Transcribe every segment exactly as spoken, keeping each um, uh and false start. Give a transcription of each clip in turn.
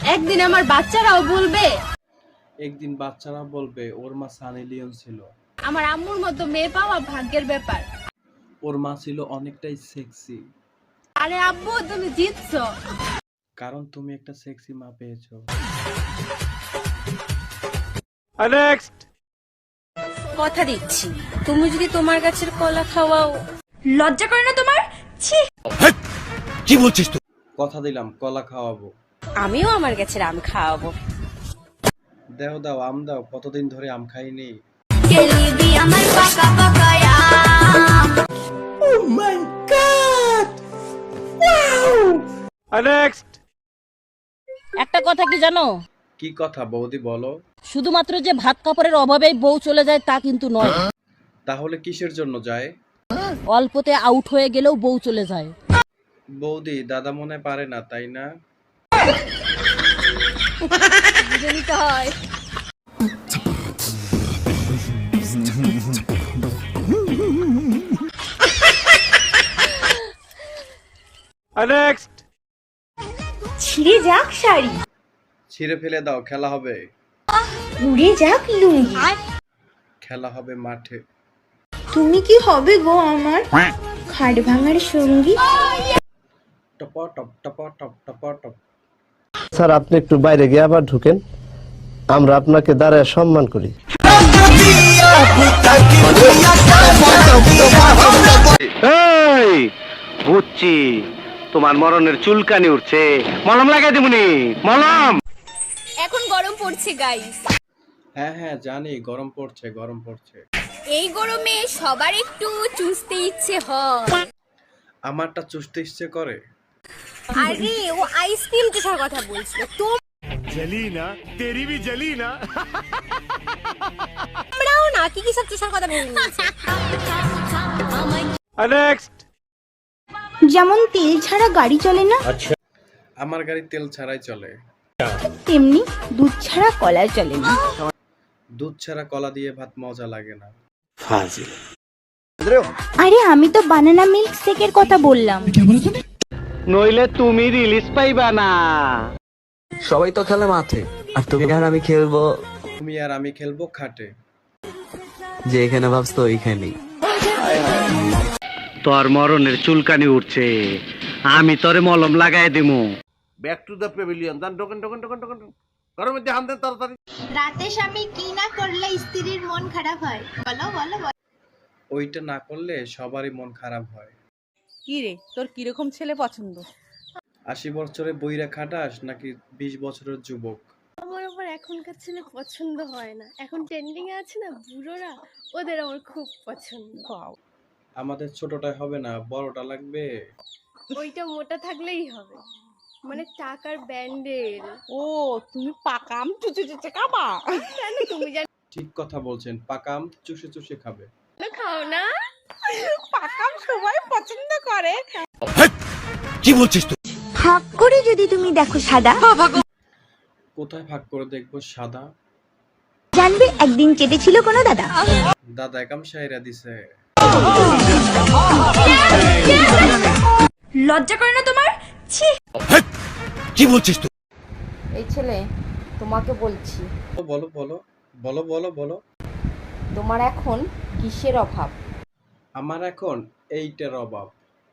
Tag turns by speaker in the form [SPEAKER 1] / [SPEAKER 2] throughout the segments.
[SPEAKER 1] একদিন আমার বাচ্চারাও বলবে,
[SPEAKER 2] একদিন বাচ্চারা বলবে ওর মা সানি লিওন ছিল।
[SPEAKER 1] আমার আম্মুর মতো মেয়ে পাওয়া ভাগ্যের ব্যাপার।
[SPEAKER 2] ওর মা ছিল অনেকটাই সেক্সি।
[SPEAKER 1] আরে আব্বু, তুমি জিতছো।
[SPEAKER 2] কারণ তুমি একটা সেক্সি মা পেয়েছো।
[SPEAKER 3] নেক্সট।
[SPEAKER 1] কথা দিচ্ছি, তুমি যদি তোমার গাছের কলা খাওয়াও, লজ্জা করে না তোমার? ছি।
[SPEAKER 3] কি বলছিস তুই?
[SPEAKER 2] কথা দিলাম কলা খাওয়াবো।
[SPEAKER 1] আমিও আমার গাছের আম খাওয়াবো।
[SPEAKER 2] দেও দাও আম দাও, কতদিন ধরে আম খাইনি।
[SPEAKER 3] নেক্সট।
[SPEAKER 4] একটা কথা কি জানো,
[SPEAKER 2] কি কথা বৌদি বলো।
[SPEAKER 4] শুধুমাত্র যে ভাত কাপড়ের অভাবেই বউ চলে যায় তা কিন্তু নয়।
[SPEAKER 2] তাহলে কিসের জন্য যায়?
[SPEAKER 4] অল্পতে আউট হয়ে গেলেও বউ চলে যায়।
[SPEAKER 2] বৌদি দাদা মনে পারে না তাই না?
[SPEAKER 1] বুঝে নিতে হয়।
[SPEAKER 3] নেক্সট।
[SPEAKER 5] ছিঁড়ে যাক শাড়ি,
[SPEAKER 2] ছিঁড়ে ফেলে দাও, খেলা হবে।
[SPEAKER 5] উড়ে যাক লুঙ্গি,
[SPEAKER 2] খেলা হবে মাঠে।
[SPEAKER 5] তুমি কি হবে গো আমার খাট ভাঙার সঙ্গী?
[SPEAKER 2] টপ টপ টপ টপ টপ টপ।
[SPEAKER 6] স্যার আপনি একটু বাইরে গিয়ে আবার ঢুকেন, আমরা আপনাকে দাঁড়ায় সম্মান করি।
[SPEAKER 3] এই বুঝছি তোমার মরণের চুলকানি উঠছে, মলম লাগাই দিবনি। মলম।
[SPEAKER 1] এখন গরম পড়ছে গাইস।
[SPEAKER 2] হ্যাঁ হ্যাঁ জানি, গরম পড়ছে গরম পড়ছে।
[SPEAKER 1] এই গরমে সবার একটু চুষতে ইচ্ছে হয়।
[SPEAKER 2] আমারটা চুষতে ইচ্ছে করে।
[SPEAKER 1] আরে ও আইসক্রিম চুষার কথা বলছিল।
[SPEAKER 3] জলি না তেরি ভি জলি না।
[SPEAKER 1] তোমরাও না কি কি সব চুষার কথা ভেবে নিয়েছো।
[SPEAKER 3] নেক্সট।
[SPEAKER 5] যেমন তেল ছাড়া গাড়ি চলে না,
[SPEAKER 2] আমার গাড়ি তেল ছাড়াই চলে।
[SPEAKER 5] তেমনি দুধ ছাড়া কলা চলে না।
[SPEAKER 2] দুধ ছাড়া কলা দিয়ে ভাত মজা লাগে না।
[SPEAKER 5] আরে আমি তো বানানা মিল্ক শেকের কথা বললাম।
[SPEAKER 3] নইলে তুমি রিলিজ পাইবা না।
[SPEAKER 7] সবাই তো খেলে মাঠে, আর তুমি আর আমি খেলবো
[SPEAKER 2] তুমি আর আমি খেলবো খাটে।
[SPEAKER 7] যে এখানে ভাবছো ওইখানেই।
[SPEAKER 3] তোর মরণের চুলকানি উঠছে, আমি তোরে মলম লাগাই দিমু।
[SPEAKER 8] Back to the pavilion. যান ঢোকেন ঢোকেন ঢোকেন ঢোকেন। ঘরের মধ্যে হান দেন তাড়াতাড়ি।
[SPEAKER 5] রাতে স্বামী কি না করলে স্ত্রীর মন খারাপ হয়? বলো বলো বলো।
[SPEAKER 2] ওইটা না করলে সবারই মন খারাপ হয়।
[SPEAKER 4] কি রে, তোর কিরকম ছেলে পছন্দ?
[SPEAKER 2] আশি বছরে বইরা খাটাস নাকি বিশ বছরের যুবক?
[SPEAKER 1] আমার আবার এখনকার ছেলে পছন্দ হয় না। এখন ট্রেন্ডিং এ আছে না বুড়োরা, ওদের আমার খুব পছন্দ।
[SPEAKER 2] আমাদের ছোটটাই হবে না, বড়টা লাগবে।
[SPEAKER 1] ওইটা মোটা থাকলেই হবে, মানে টাকার ব্যান্ডেল।
[SPEAKER 4] ও তুমি পাকাম চুচু চুচু খাবা?
[SPEAKER 1] কেন তুমি জানো?
[SPEAKER 2] ঠিক কথা বলছেন, পাকাম চুষে চুষে খাবে।
[SPEAKER 1] খাও না?
[SPEAKER 4] পাকাম সবাই পছন্দ করে।
[SPEAKER 3] কি বলছিস তুই?
[SPEAKER 5] হাক করে যদি তুমি দেখো সাদা,
[SPEAKER 2] কোথায় ভাগ করে দেখবো সাদা?
[SPEAKER 5] জানবে একদিন চেটেছিল কোনো দাদা।
[SPEAKER 2] দাদা একাম সাইরা দিছে।
[SPEAKER 5] লজ্জা করে না তোমার? ছি।
[SPEAKER 3] কি বলছিস তুই?
[SPEAKER 4] এই ছেলে, তোমাকে বলছি,
[SPEAKER 2] বলো বলো বলো বলো বলো।
[SPEAKER 4] তোমার এখন কিসের অভাব?
[SPEAKER 2] আমার এখন এইটার অভাব।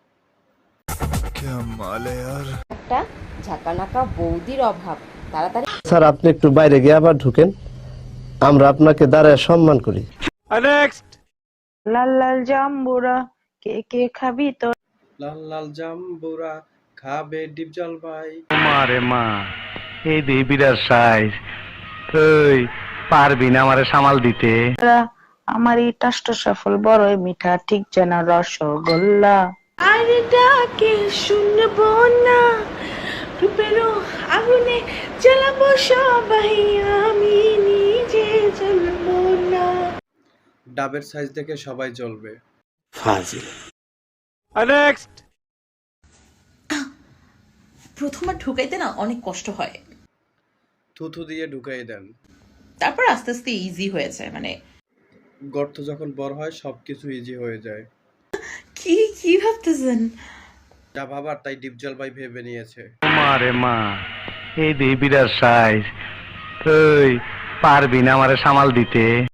[SPEAKER 4] একটা ঝাঁকানাকা বৌদির অভাব। তাড়াতাড়ি।
[SPEAKER 6] স্যার আপনি একটু বাইরে গিয়ে আবার ঢুকেন, আমরা আপনাকে দাঁড়ায় সম্মান করি।
[SPEAKER 3] নেক্সট।
[SPEAKER 9] লাল লাল জাম্বুরা কে কে খাবি তো?
[SPEAKER 2] লাল লাল জাম্বুরা খাবে ডিপ জল ভাই।
[SPEAKER 3] মারে মা, এই দেবিরার সাইজ তুই পারবি না আমারে সামাল দিতে?
[SPEAKER 9] আমার এই টাষ্ট সফল বড়ই মিঠা, ঠিক যেন রসগোল্লা। আর ডাকে শুনবো না, রূপেরও আগুনে জ্বালাবো সবাই, আমি নিজে জ্বলবো না।
[SPEAKER 2] ডাবের সাইজ দেখে সবাই জ্বলবে।
[SPEAKER 3] নেক্সট।
[SPEAKER 10] প্রথমবার ঢুকাইতে না অনেক কষ্ট হয়,
[SPEAKER 2] থুথু দিয়ে ঢুকাই দেন,
[SPEAKER 10] তারপর আস্তে আস্তে ইজি হয়ে যায়। মানে
[SPEAKER 2] গর্ত যখন বড় হয় সবকিছু ইজি হয়ে যায়।
[SPEAKER 10] কি কি ভাবতেছেন?
[SPEAKER 2] যা ভাবার তাই ডিপ জল ভাই ভেবে নিয়েছে।
[SPEAKER 3] মারে মা, এই দেবিরার সাইজ, তুই পারবি না আমারে সামাল দিতে?